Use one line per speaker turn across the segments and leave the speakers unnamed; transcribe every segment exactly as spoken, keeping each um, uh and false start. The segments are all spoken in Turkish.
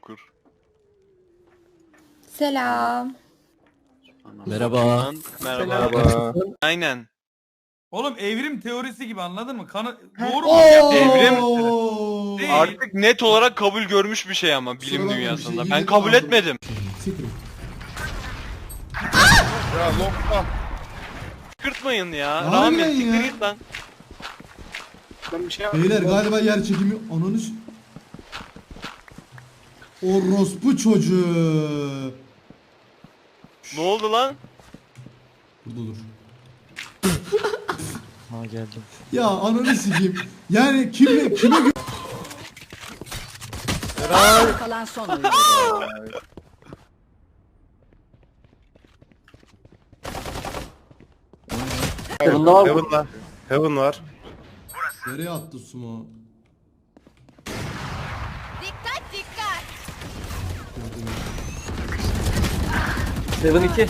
kur.
Selam.
Merhaba.
Merhaba.
Merhaba.
Aynen.
Oğlum evrim teorisi gibi, anladın mı? Kanı doğru mu?
Oo!
Evrim
Değil.
artık net olarak kabul görmüş bir şey ama bilim
Kusura bakma, bir
dünyasında.
şey
Ben
yedim
kabul
aldım.
etmedim.
Siktir.
Ya lokma.
Kırtmayın ya.
Harbiden
Rahmet
ya.
siktir git lan.
Ben bir şey
Beyler galiba yer çekimi ananı s- Orospu çocuğu.
Ne oldu lan?
Burada dur.
Ha geldim.
Ya ananı sikeyim. Yani kimle kime gö-
Kalan son oyun.
Heaven var. Heaven var. Heaven var.
Nereye attı sumo?
Dikkat dikkat.
Seven iki.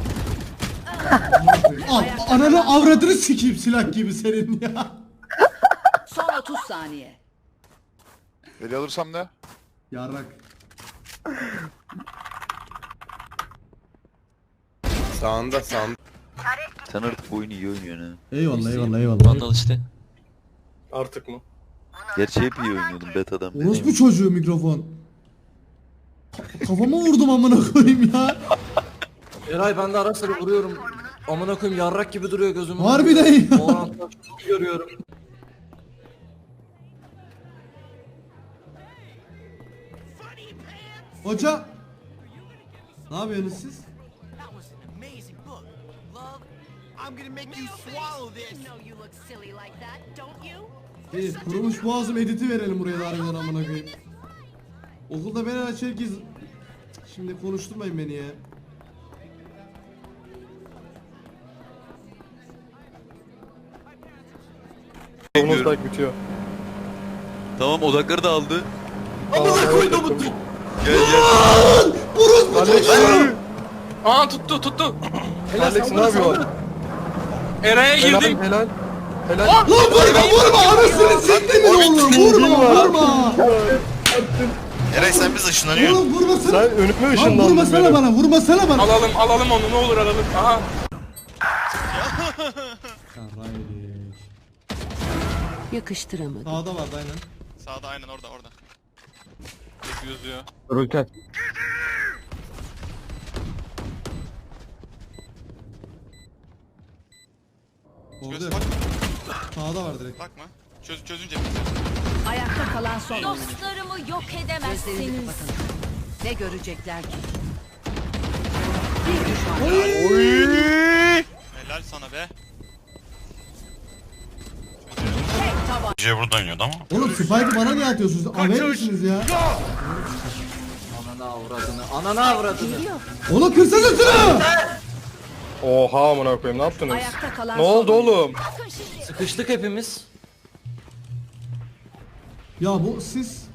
Al ananı avradını sikeyim silah gibi senin ya.
Son otuz saniye.
Eli alırsam ne?
Yarrak.
Sağında sağında.
Sen artık bu oyunu iyi oynuyorsun ha.
Eyvallah eyvallah eyvallah.
Vandal işte.
Artık mı?
Gerçi hep iyi oynuyordum betadan beri.
Orospu çocuğu mikrofon. Kafama vurdum amına koyayım ya.
Eray ben de ara sıra vuruyorum. Amına koyayım yarrak gibi duruyor gözümün.
Harbiden ya.
O oranda çok görüyorum.
Hoca. Ne yapıyorsunuz siz? İyi, kurumuş boğazım editi verelim buraya da harbiden amına koyayım. Okulda beni aç herkes... Şimdi konuşturmayın beni ya.
Omuzdak bitiyor.
Tamam odakları da aldı.
Amına koydum bu.
Gel gel.
Orospu çocuğu!
Aa tuttu tuttu.
Alex ne yapıyor?
Eray'a girdim.
Helal. Helal.
Lan vurma vurma anasını siktimin oğlum vurma vurma!
Eray sen biz ışınlanıyorsun.
Oğlum vurmasana!
Sen önüme
Lan
ışınlandın
vurmasana
benim.
bana vurmasana bana!
Alalım alalım onu, ne olur alalım. Aha.
Karaymış.
Yakıştıramadım.
Sağda vardı aynen.
Sağda aynen orada orada.
Tek yüzüyor.
Rulkat.
Orada
Göz
yok.
bak,
Sağda var direkt.
bakma. Çöz, çözünce
Ayakta kalan son oyun.
Dostlarımı yok
Gözlerini
edemezsiniz.
kapatın. Ne görecekler ki? Bir düşman.
helal sana be.
Tek taban.
C burada oynuyordu ama.
Oğlum Spike'ı bana niye atıyorsunuz? Aver misiniz ya?
Ananı avradını. Ananı avradını.
Oğlum kırsana şunu!
Oha amına koyayım ne yaptınız?
Ayakta kalan
Ne
son
oldu
oyun.
oğlum?
Sıkıştık hepimiz.
Ya bu siz...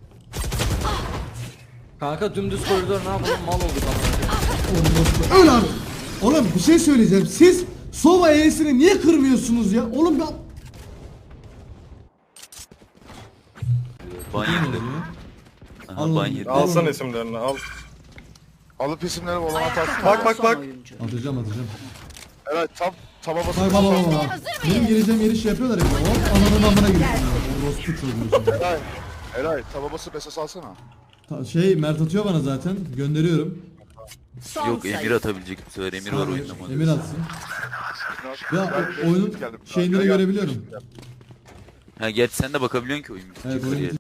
Kanka dümdüz koridor ne yapalım mal olduk amına.
Oğlum dostum, öl artık! Oğlum bir şey söyleyeceğim. Siz Sova E'sini niye kırmıyorsunuz ya? Oğlum ben...
Ban yedim. Aha
Allah'ım.
ban yedim.
Alsana isimlerini al. Alıp isimleri olan
Ayakta
atarsın.
kalan
Bak bak
son
bak.
oyuncu.
Atacağım atacağım.
Evet tam taba basın.
Bak bak bak bak. Benim geleceğim yeri şey yapıyorlar ya. Hop ananın amına giriyorsun ya. Orospu çocuğu.
Helal. Helal. Taba basıp esas alsana.
Ta- Şey Mert atıyor bana zaten. Gönderiyorum.
Son
Yok
sayı.
Emir atabilecek bu sefer. Emir var
Emir,
oyunda.
Emir atsın. Ya
Ben-
oyunun
geldim.
şeyleri
Geldim.
görebiliyorum.
Ha gerçi sen de bakabiliyorsun ki oyun bitince
Evet
kariyer.
oyun